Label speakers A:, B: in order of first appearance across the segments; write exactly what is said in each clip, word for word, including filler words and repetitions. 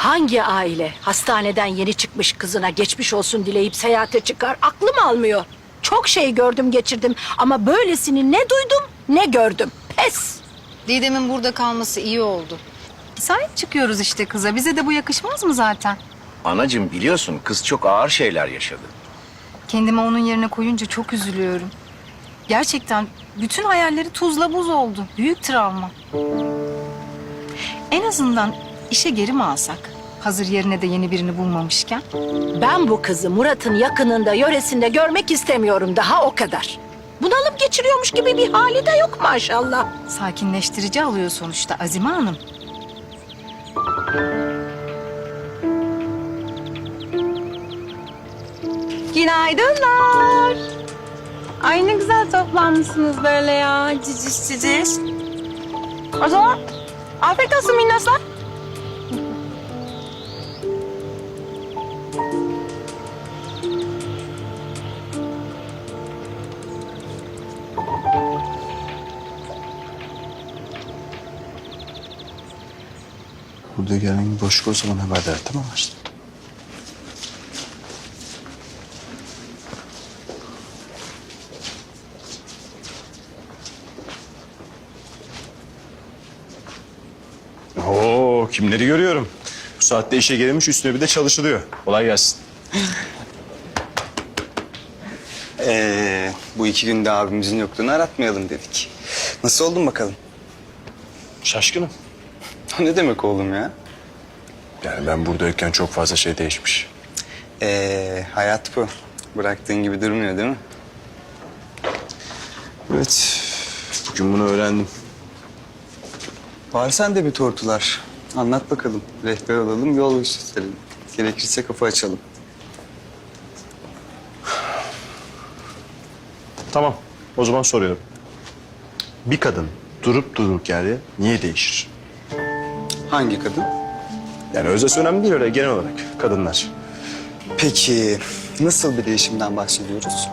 A: Hangi aile hastaneden yeni çıkmış kızına geçmiş olsun dileyip seyahate çıkar? Aklım almıyor. Çok şey gördüm geçirdim ama böylesini ne duydum ne gördüm. Pes.
B: Didem'in burada kalması iyi oldu. Sahip çıkıyoruz işte kıza. Bize de bu yakışmaz mı zaten?
C: Anacığım biliyorsun kız çok ağır şeyler yaşadı.
B: Kendimi onun yerine koyunca çok üzülüyorum. Gerçekten bütün hayalleri tuzla buz oldu. Büyük travma. En azından işe geri mi alsak? Hazır yerine de yeni birini bulmamışken.
A: Ben bu kızı Murat'ın yakınında, yöresinde görmek istemiyorum daha o kadar. Bunalım geçiriyormuş gibi bir hali de yok maşallah.
B: Sakinleştirici alıyor sonuçta Azime Hanım.
D: Günaydınlar. Ay ne güzel toplanmışsınız böyle ya. Ciciş ciciş. O zaman afiyet olsun minnoslar.
E: Burada herhangi bir boşluk olsa bana haber ver, tamam mı işte?
F: Oo, kimleri görüyorum. Bu saatte işe gelmiş, üstüne bir de çalışılıyor. Kolay gelsin.
E: Ee, bu iki günde abimizin yokluğunu aratmayalım dedik. Nasıl oldun bakalım?
F: Şaşkınım.
E: O ne demek oğlum ya?
F: Yani ben buradayken çok fazla şey değişmiş.
E: Ee, hayat bu. Bıraktığın gibi durmuyor değil mi?
F: Evet, bugün bunu öğrendim.
E: Var sende bir tortular. Anlat bakalım. Rehber olalım, yol gösterelim. Gerekirse kafa açalım.
F: Tamam, o zaman soruyorum. Bir kadın durup dururken yerde niye değişir?
E: Hangi kadın?
F: Yani özesi önemli değil, öyle genel olarak kadınlar.
E: Peki nasıl bir değişimden bahsediyoruz?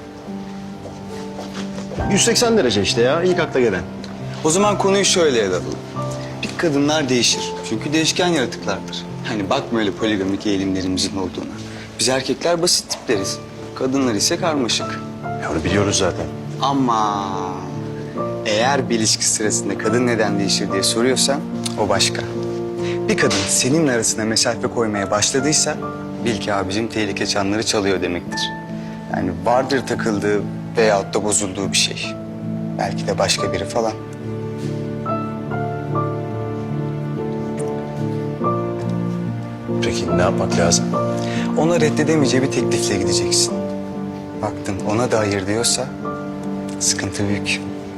F: yüz seksen derece işte ya, ilk akla gelen.
E: O zaman konuyu şöyle ele alalım. Bir kadınlar değişir. Çünkü değişken yaratıklardır. Hani bakma öyle poligamik eğilimlerimizin olduğuna. Biz erkekler basit tipleriz. Kadınlar ise karmaşık.
F: Ya onu biliyoruz zaten.
E: Ama eğer bir ilişki sırasında kadın neden değişir diye soruyorsan o başka. Bir kadın senin arasına mesafe koymaya başladıysa bil ki abicim tehlike çanları çalıyor demektir. Yani vardır takıldığı veyahut da bozulduğu bir şey. Belki de başka biri falan.
F: Peki ne yapmak lazım?
E: Ona reddedemeyeceği bir teklifle gideceksin. Baktın ona da hayır diyorsa sıkıntı büyük.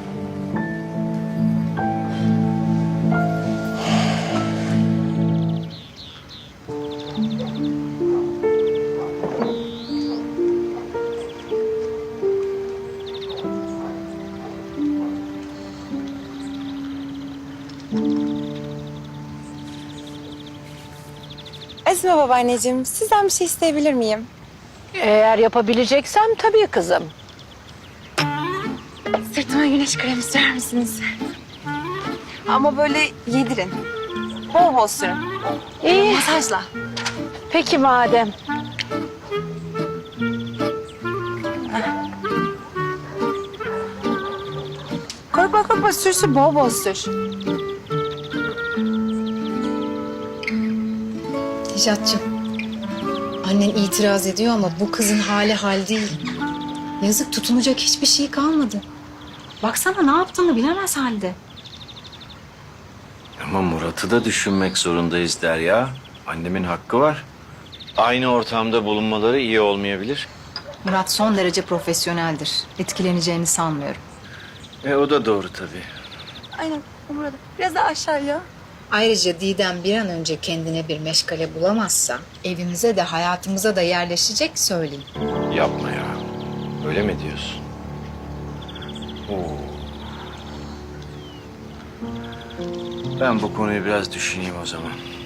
D: Esme babaanneciğim, sizden bir şey isteyebilir miyim?
A: Eğer yapabileceksem tabii kızım.
D: Sırtıma güneş kremi sürer misiniz? Ama böyle yedirin. Bol bol sürün.
A: İyi.
D: Masajla.
A: Peki madem.
D: Korkma korkma sür sür bol bol sür.
B: Necat'cığım, annen itiraz ediyor ama bu kızın hali hal değil. Yazık, tutunacak hiçbir şey kalmadı. Baksana ne yaptığını bilemez halde.
C: Ama Murat'ı da düşünmek zorundayız Derya. Annemin hakkı var. Aynı ortamda bulunmaları iyi olmayabilir.
B: Murat son derece profesyoneldir. Etkileneceğini sanmıyorum.
C: E o da doğru tabii.
D: Aynen burada. Biraz daha aşağıya.
B: Ayrıca Didem bir an önce kendine bir meşgale bulamazsa evimize de hayatımıza da yerleşecek söyleyeyim.
C: Yapma ya. Öyle mi diyorsun? Oo. Ben bu konuyu biraz düşüneyim o zaman.